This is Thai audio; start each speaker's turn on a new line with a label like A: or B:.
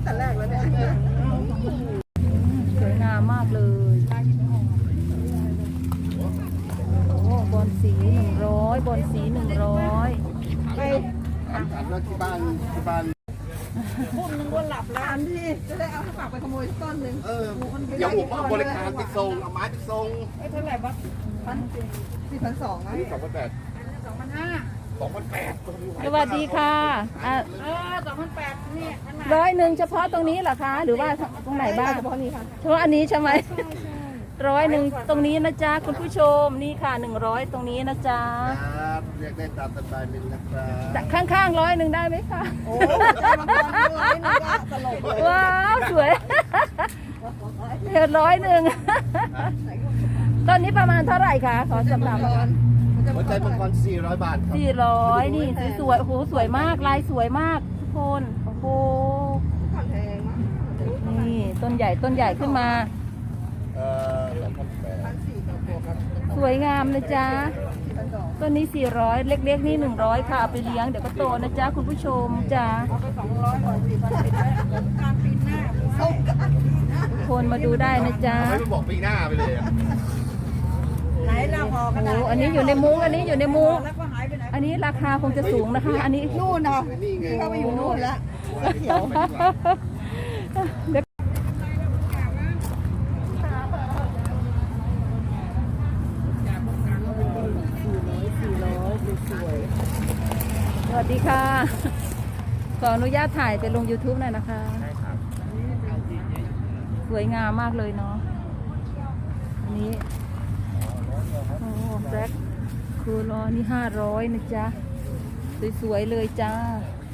A: แต่แรกแล้วเนี่ย
B: สวยงามมากเลยโอ้บอลสี100บอลสี100
A: ไปถามว่าที่บ้านพุ่มนึงว่าหลับแล้วอันที่จะได้เอาฝากไปขโมยต้นหนึ่ง
C: เดี๋ยวผมบริการไปส่งเอาไม้ไปส่ง
A: เท่าไหร่บ้าง4,200นะ
C: นี่2,800
B: สวัสดีค่ะ
A: 2,800นี่
B: 100เฉพาะตรงนี้เหรอคะหรือว่าตรงไหนบ้าง
A: เฉพาะนี้ค่ะ
B: เฉพาะอันนี้ใช่ไหม100ตรงนี้นะจ๊ะคุณผู้ชมนี่ค่ะ100ตรงนี้นะจ๊ะ
C: ครับเรียกได้ตามสบายเลยนะครับ
B: ข้างๆ100ได้ไหมคะ
A: โอ้บางคน100นึงก็ตลกเลย
B: ว้าวสวยเห็น100ต้นนี้ประมาณเท่าไหร่คะขอสำหรับ
C: หัวใจมังกร400 บาทครับ
B: 400นี่สวยๆโอ้โหสวยมากลายสวยมากทุกคนโอ้โหนี่ต้นใหญ่ขึ้นมา
C: 2,800
B: สวยงามนะจ๊ะต้นนี้400เล็กๆนี่100ค่ะเอาไปเลี้ยงเดี๋ยวก็โตนะจ๊ะคุณผู้ชมจ้ะ
A: เอาไป200ก่อน4,000การปีหน้า
B: คนมาดูได้นะจ๊ะ
C: ไม่บอกปีหน้าไปเลย
A: ไหนเราพอกัน
B: โอ้อันนี้อยู่ในมุ้งแล้วก็
A: หายไปไหน
B: อันนี้ราคาคงจะสูงนะคะอันนี้
A: นู่นนะเข้าไปอยู่นู่นแล้ว
B: สวัสดีค่ะขออนุญาตถ่ายไปลง YouTube หน่อยนะคะ
C: ใช่ครับ
B: สวยงามมากเลยเนาะอันนี้โอ้แบล็คคูลอนี่500นะจ๊ะสวยๆเลยจ้า